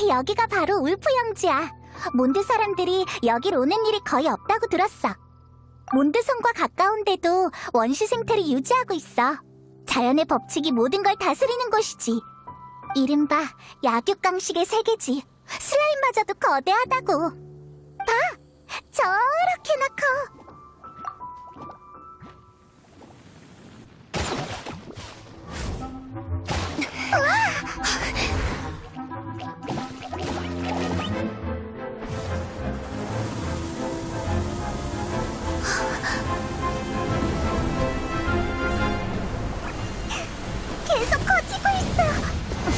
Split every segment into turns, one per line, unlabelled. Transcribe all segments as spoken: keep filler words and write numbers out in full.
여기가 바로 울프 영지야. 몬드 사람들이 여길 오는 일이 거의 없다고 들었어. 몬드성과 가까운데도 원시 생태를 유지하고 있어. 자연의 법칙이 모든 걸 다스리는 곳이지. 이른바 약육강식의 세계지. 슬라임마저도 거대하다고. 봐! 저렇게나 커. 계속 커지고 있어.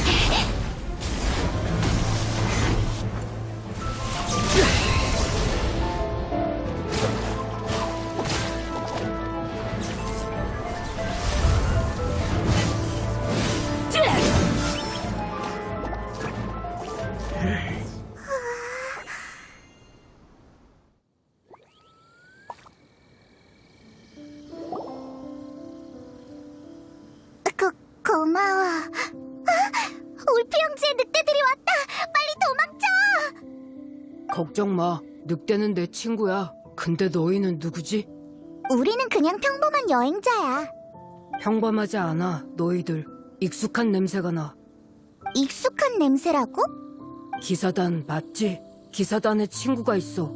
고, 고마워. 아, 울프 영지에 늑대들이 왔다. 빨리 도망쳐.
걱정 마. 늑대는 내 친구야. 근데 너희는 누구지?
우리는 그냥 평범한 여행자야.
평범하지 않아, 너희들. 익숙한 냄새가 나.
익숙한 냄새라고?
기사단 맞지? 기사단에 친구가 있어.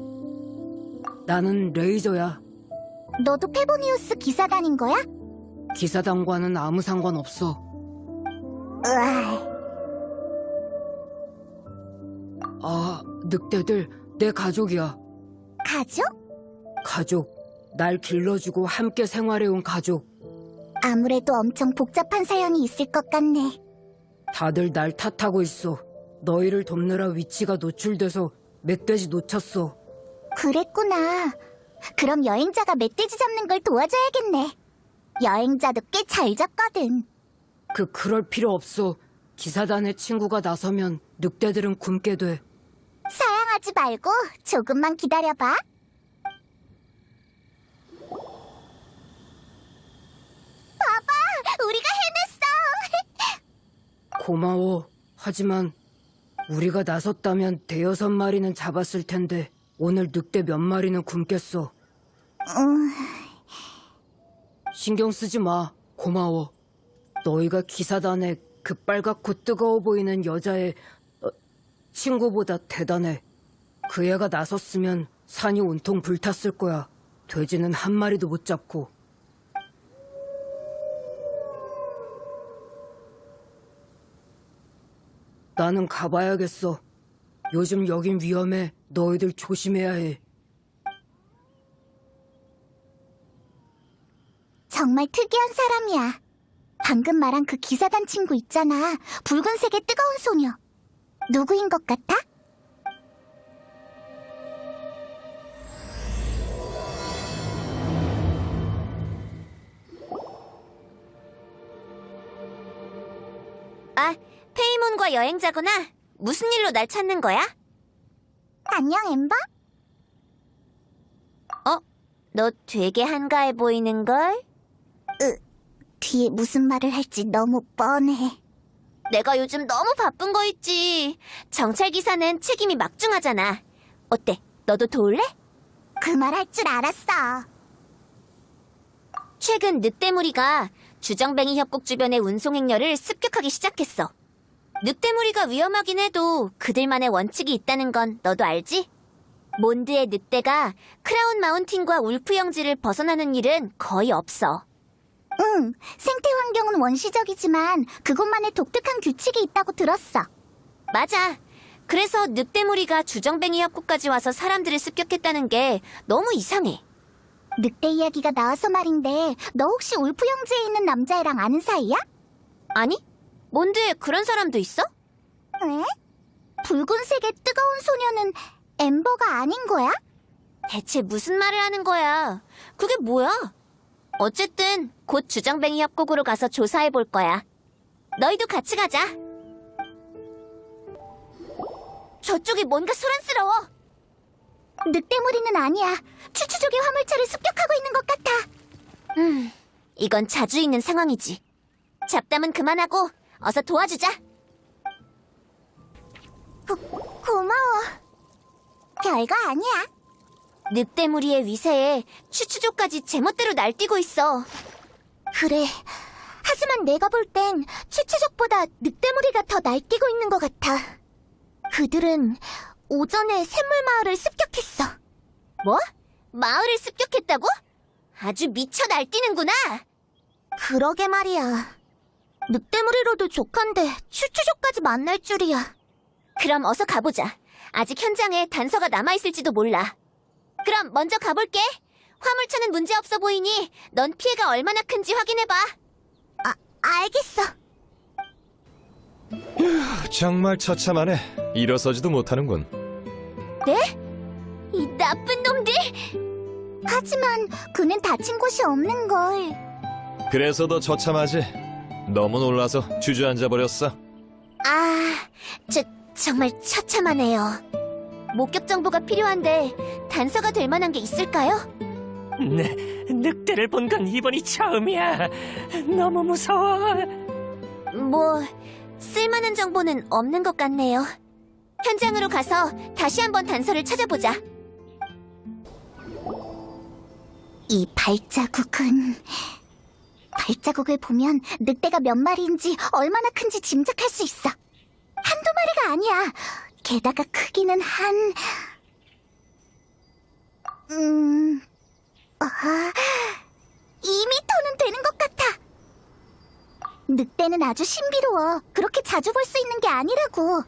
나는 레이저야.
너도 페보니우스 기사단인 거야?
기사단과는 아무 상관없어.
으아,
아, 늑대들 내 가족이야.
가족?
가족. 날 길러주고 함께 생활해온 가족.
아무래도 엄청 복잡한 사연이 있을 것 같네.
다들 날 탓하고 있어. 너희를 돕느라 위치가 노출돼서 멧돼지 놓쳤어.
그랬구나. 그럼 여행자가 멧돼지 잡는 걸 도와줘야겠네. 여행자도 꽤 잘 잡거든.
그 그럴 필요 없어. 기사단의 친구가 나서면 늑대들은 굶게 돼.
사양하지 말고 조금만 기다려봐. 봐봐, 우리가 해냈어.
고마워. 하지만 우리가 나섰다면 대여섯 마리는 잡았을 텐데 오늘 늑대 몇 마리는 굶겠어.
음,
신경 쓰지 마. 고마워. 너희가 기사단의 그 빨갛고 뜨거워 보이는 여자의 어, 친구보다 대단해. 그 애가 나섰으면 산이 온통 불탔을 거야. 돼지는 한 마리도 못 잡고. 나는 가봐야겠어. 요즘 여긴 위험해. 너희들 조심해야 해.
정말 특이한 사람이야. 방금 말한 그 기사단 친구 있잖아. 붉은색의 뜨거운 소녀. 누구인 것 같아?
아, 페이몬과 여행자구나. 무슨 일로 날 찾는 거야?
안녕, 엠버?
어? 너 되게 한가해 보이는걸?
뒤에 무슨 말을 할지 너무 뻔해.
내가 요즘 너무 바쁜 거 있지. 정찰기사는 책임이 막중하잖아. 어때? 너도 도울래?
그 말 할 줄 알았어.
최근 늑대무리가 주정뱅이 협곡 주변의 운송행렬을 습격하기 시작했어. 늑대무리가 위험하긴 해도 그들만의 원칙이 있다는 건 너도 알지? 몬드의 늑대가 크라운 마운틴과 울프 영지를 벗어나는 일은 거의 없어.
응, 생태 환경은 원시적이지만 그곳만의 독특한 규칙이 있다고 들었어.
맞아. 그래서 늑대무리가 주정뱅이 협곡까지 와서 사람들을 습격했다는 게 너무 이상해.
늑대 이야기가 나와서 말인데 너 혹시 울프 영지에 있는 남자애랑 아는 사이야?
아니? 몬드에 그런 사람도 있어?
왜? 붉은색의 뜨거운 소녀는 엠버가 아닌 거야?
대체 무슨 말을 하는 거야? 그게 뭐야? 어쨌든 곧 주정뱅이 협곡으로 가서 조사해 볼 거야. 너희도 같이 가자. 저쪽이 뭔가 소란스러워.
늑대무리는 아니야. 추추족의 화물차를 습격하고 있는 것 같아.
음, 이건 자주 있는 상황이지. 잡담은 그만하고 어서 도와주자.
고, 고마워. 별거 아니야.
늑대무리의 위세에 추추족까지 제멋대로 날뛰고 있어.
그래. 하지만 내가 볼 땐 추추족보다 늑대무리가 더 날뛰고 있는 것 같아. 그들은 오전에 샘물마을을 습격했어.
뭐? 마을을 습격했다고? 아주 미쳐 날뛰는구나.
그러게 말이야. 늑대무리로도 족한데 추추족까지 만날 줄이야.
그럼 어서 가보자. 아직 현장에 단서가 남아있을지도 몰라. 그럼 먼저 가볼게. 화물차는 문제없어 보이니 넌 피해가 얼마나 큰지 확인해봐.
아, 알겠어.
정말 처참하네. 일어서지도 못하는군.
네? 이 나쁜 놈들!
하지만 그는 다친 곳이 없는 걸.
그래서 더 처참하지. 너무 놀라서 주저앉아 버렸어.
아, 저, 정말 처참하네요. 목격 정보가 필요한데 단서가 될 만한 게 있을까요?
네, 늑대를 본 건 이번이 처음이야. 너무 무서워.
뭐, 쓸만한 정보는 없는 것 같네요. 현장으로 가서 다시 한번 단서를 찾아보자.
이 발자국은... 발자국을 보면 늑대가 몇 마리인지 얼마나 큰지 짐작할 수 있어. 한두 마리가 아니야. 게다가 크기는 한... 음... 아... 이 미터는 되는 것 같아. 늑대는 아주 신비로워. 그렇게 자주 볼 수 있는 게 아니라고.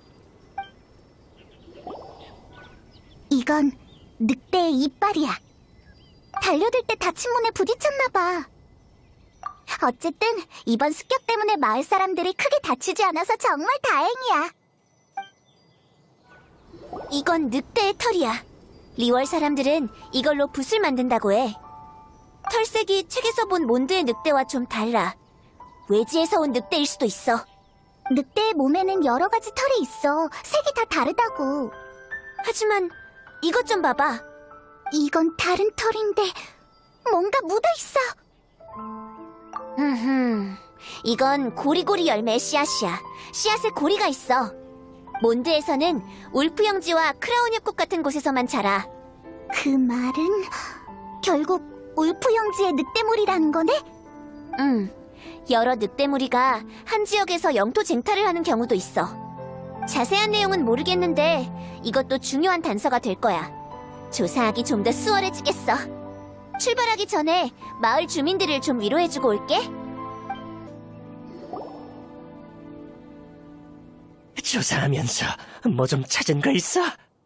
이건 늑대의 이빨이야. 달려들 때 다친 문에 부딪혔나 봐. 어쨌든 이번 습격 때문에 마을 사람들이 크게 다치지 않아서 정말 다행이야.
이건 늑대의 털이야. 리월 사람들은 이걸로 붓을 만든다고 해. 털색이 책에서 본 몬드의 늑대와 좀 달라. 외지에서 온 늑대일 수도 있어.
늑대의 몸에는 여러 가지 털이 있어. 색이 다 다르다고.
하지만 이것 좀 봐봐.
이건 다른 털인데 뭔가 묻어있어.
흠흠, 이건 고리고리 열매의 씨앗이야. 씨앗에 고리가 있어. 몬드에서는 울프 형지와 크라운 협곡 같은 곳에서만 자라.
그 말은 결국 울프 형지의 늑대물이라는 거네?
음, 여러 늑대무리가 한 지역에서 영토 쟁탈을 하는 경우도 있어. 자세한 내용은 모르겠는데 이것도 중요한 단서가 될 거야. 조사하기 좀 더 수월해지겠어. 출발하기 전에 마을 주민들을 좀 위로해주고 올게.
조사하면서 뭐 좀 찾은 거 있어?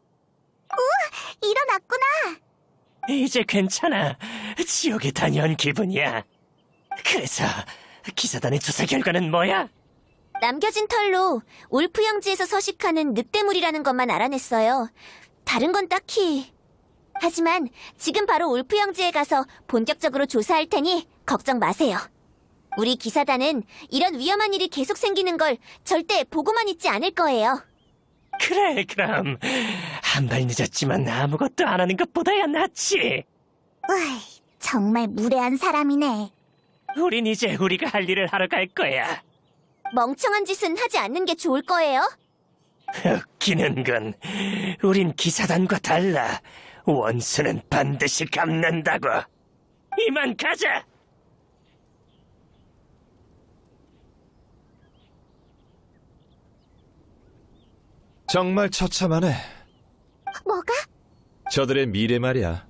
일어났구나.
이제 괜찮아. 지옥에 다녀온 기분이야. 그래서 기사단의 조사 결과는 뭐야?
남겨진 털로 울프 형지에서 서식하는 늑대물이라는 것만 알아냈어요. 다른 건 딱히... 하지만 지금 바로 울프 형지에 가서 본격적으로 조사할 테니 걱정 마세요. 우리 기사단은 이런 위험한 일이 계속 생기는 걸 절대 보고만 있지 않을 거예요.
그래, 그럼 한 발 늦었지만 아무것도 안 하는 것보다야 낫지.
으이, 정말 무례한 사람이네.
우린 이제 우리가 할 일을 하러 갈 거야.
멍청한 짓은 하지 않는 게 좋을 거예요.
웃기는 건 우린 기사단과 달라. 원수는 반드시 갚는다고. 이만 가자.
정말 처참하네.
뭐가?
저들의 미래 말이야.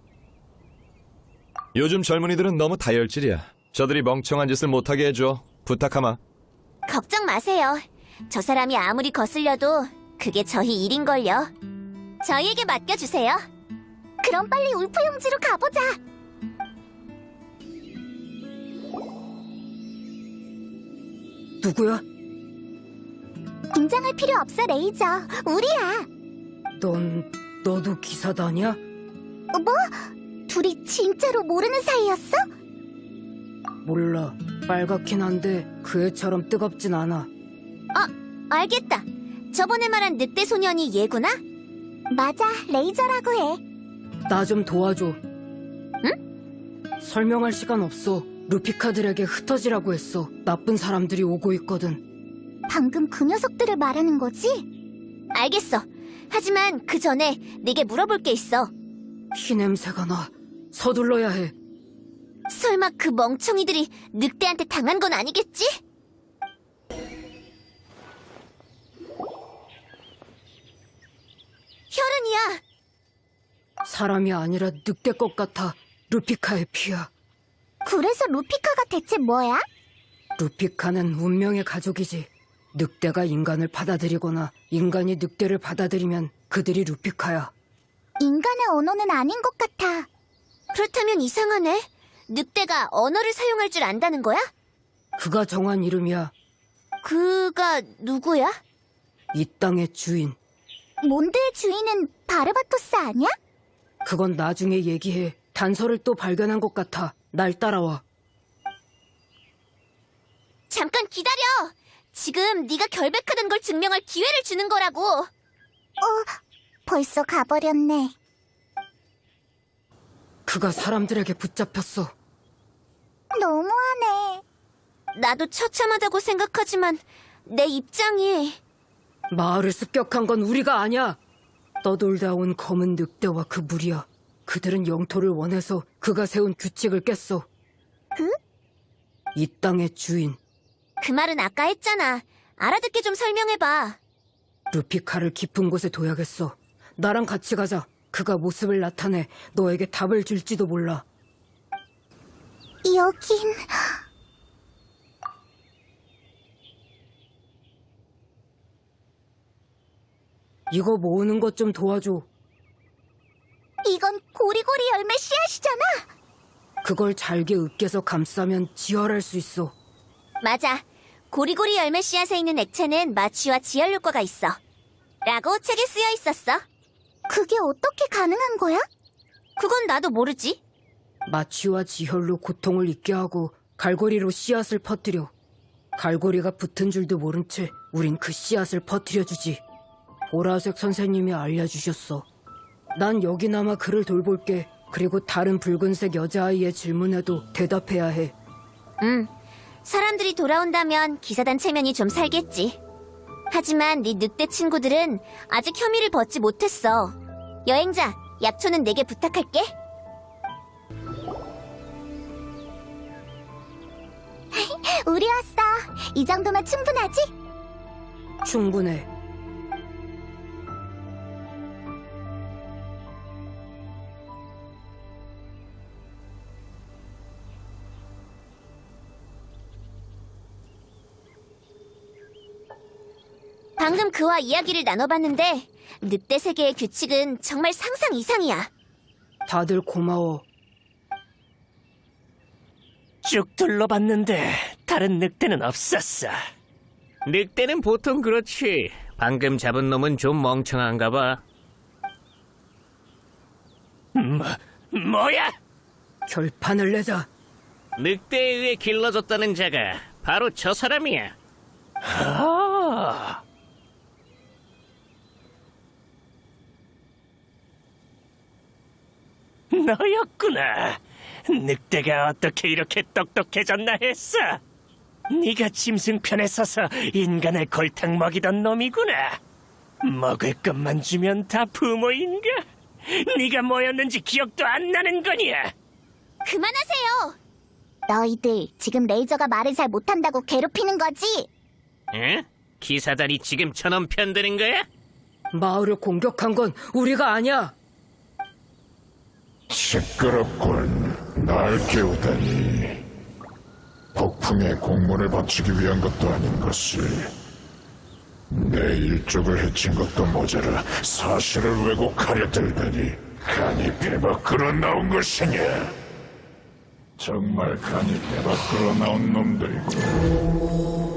요즘 젊은이들은 너무 다혈질이야. 저들이 멍청한 짓을 못하게 해줘. 부탁하마.
걱정 마세요. 저 사람이 아무리 거슬려도 그게 저희 일인걸요. 저희에게 맡겨주세요.
그럼 빨리 울프 형지로 가보자.
누구야?
긴장할 필요 없어, 레이저. 우리야.
넌, 너도 기사단이야?
뭐? 둘이 진짜로 모르는 사이였어?
몰라. 빨갛긴 한데 그 애처럼 뜨겁진 않아.
알겠다. 저번에 말한 늑대 소년이 얘구나?
맞아, 레이저라고 해.
나 좀 도와줘. 응? 설명할 시간 없어. 루피카들에게 흩어지라고 했어. 나쁜 사람들이 오고 있거든.
방금 그 녀석들을 말하는 거지?
알겠어. 하지만 그 전에 네게 물어볼 게 있어.
피 냄새가 나. 서둘러야 해.
설마 그 멍청이들이 늑대한테 당한 건 아니겠지? 혈흔이야.
사람이 아니라 늑대 것 같아. 루피카의 피야.
그래서 루피카가 대체 뭐야?
루피카는 운명의 가족이지. 늑대가 인간을 받아들이거나 인간이 늑대를 받아들이면 그들이 루피카야.
인간의 언어는 아닌 것 같아.
그렇다면 이상하네. 늑대가 언어를 사용할 줄 안다는 거야?
그가 정한 이름이야.
그가 누구야?
이 땅의 주인.
몬드의 주인은 바르바토스 아니야?
그건 나중에 얘기해. 단서를 또 발견한 것 같아. 날 따라와.
잠깐 기다려. 지금 네가 결백하던 걸 증명할 기회를 주는 거라고.
벌써 가버렸네.
그가 사람들에게 붙잡혔어.
너무하네.
나도 처참하다고 생각하지만 내 입장이...
마을을 습격한 건 우리가 아니야. 떠돌다 온 검은 늑대와 그 무리야. 그들은 영토를 원해서 그가 세운 규칙을 깼어.
그?
이 땅의 주인.
그 말은 아까 했잖아. 알아듣게 좀 설명해봐.
루피카를 깊은 곳에 둬야겠어. 나랑 같이 가자. 그가 모습을 나타내 너에게 답을 줄지도 몰라.
여긴...
이거 모으는 것 좀 도와줘.
이건 고리고리 열매 씨앗이잖아.
그걸 잘게 으깨서 감싸면 지혈할 수 있어.
맞아. 고리고리 열매 씨앗에 있는 액체는 마취와 지혈 효과가 있어. 라고 책에 쓰여 있었어.
그게 어떻게 가능한 거야?
그건 나도 모르지.
마취와 지혈로 고통을 잊게 하고 갈고리로 씨앗을 퍼뜨려. 갈고리가 붙은 줄도 모른 채 우린 그 씨앗을 퍼뜨려주지. 보라색 선생님이 알려주셨어. 난 여기나마 그를 돌볼게. 그리고 다른 붉은색 여자아이의 질문에도 대답해야 해.
응. 사람들이 돌아온다면 기사단 체면이 좀 살겠지. 하지만 네 늑대 친구들은 아직 혐의를 벗지 못했어. 여행자, 약초는 내게 부탁할게.
우리 왔어. 이 정도면 충분하지?
충분해.
방금 그와 이야기를 나눠봤는데 늑대 세계의 규칙은 정말 상상 이상이야.
다들 고마워.
쭉 둘러봤는데 다른 늑대는 없었어.
늑대는 보통 그렇지. 방금 잡은 놈은 좀 멍청한가 봐.
뭐, 뭐야?
결판을 내자.
늑대에 의해 길러졌다는 자가 바로 저 사람이야.
아, 너였구나. 늑대가 어떻게 이렇게 똑똑해졌나 했어. 네가 짐승편에 서서 인간을 골탕 먹이던 놈이구나. 먹을 것만 주면 다 부모인가? 네가 뭐였는지 기억도 안 나는 거냐?
그만하세요.
너희들 지금 레이저가 말을 잘 못한다고 괴롭히는 거지?
응? 기사단이 지금 저놈 편드는 거야?
마을을 공격한 건 우리가 아니야.
시끄럽군. 날 깨우다니. 폭풍에 공문을 바치기 위한 것도 아닌 것을. 내 일족을 해친 것도 모자라 사실을 왜곡하려 들다니. 간이 배 밖으로 나온 것이냐? 정말 간이 배 밖으로 나온 놈들이고.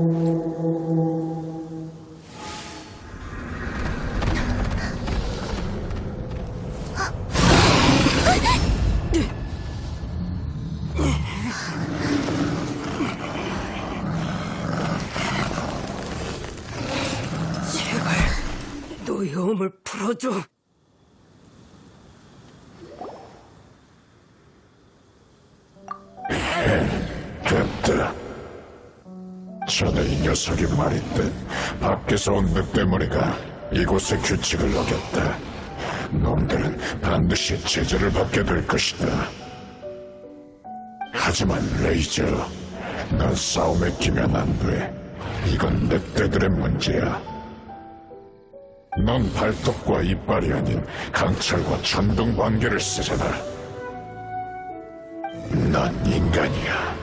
제발 노여움을 풀어줘.
됐다. 전에 이 녀석이 말했듯 밖에서 온 늑대머리가 이곳의 규칙을 어겼다. 놈들은 반드시 제재를 받게 될 것이다. 하지만 레이저, 넌 싸움에 끼면 안 돼. 이건 늑대들의 문제야. 넌 발톱과 이빨이 아닌 강철과 천둥 번개를 쓰잖아. 넌 인간이야.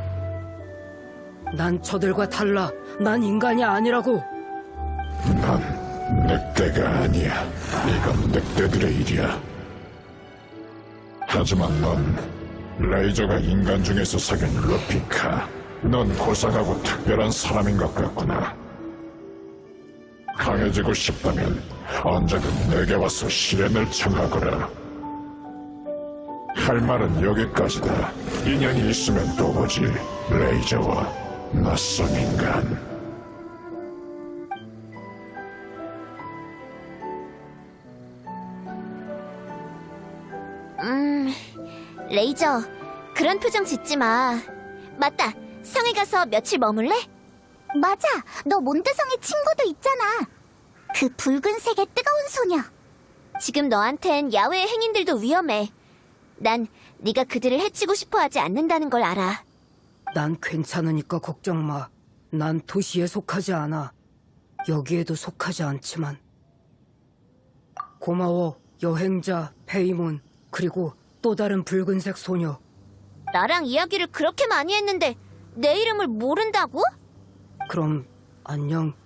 난 저들과 달라. 난 인간이 아니라고.
넌 늑대가 아니야. 이건 늑대들의 일이야. 하지만 넌 레이저가 인간 중에서 사귄 루피카. 넌 고상하고 특별한 사람인 것 같구나. 강해지고 싶다면 언제든 내게 와서 시련을 청하거라. 할 말은 여기까지다. 인연이 있으면 또 보지. 레이저와 낯선 인간.
음, 레이저, 그런 표정 짓지 마. 맞다, 성에 가서 며칠 머물래?
맞아, 너 몬드성의 친구도 있잖아. 그 붉은색의 뜨거운 소녀.
지금 너한텐 야외의 행인들도 위험해. 난 네가 그들을 해치고 싶어 하지 않는다는 걸 알아.
난 괜찮으니까 걱정 마. 난 도시에 속하지 않아. 여기에도 속하지 않지만. 고마워, 여행자, 페이몬, 그리고 또 다른 붉은색 소녀.
나랑 이야기를 그렇게 많이 했는데 내 이름을 모른다고?
그럼 안녕.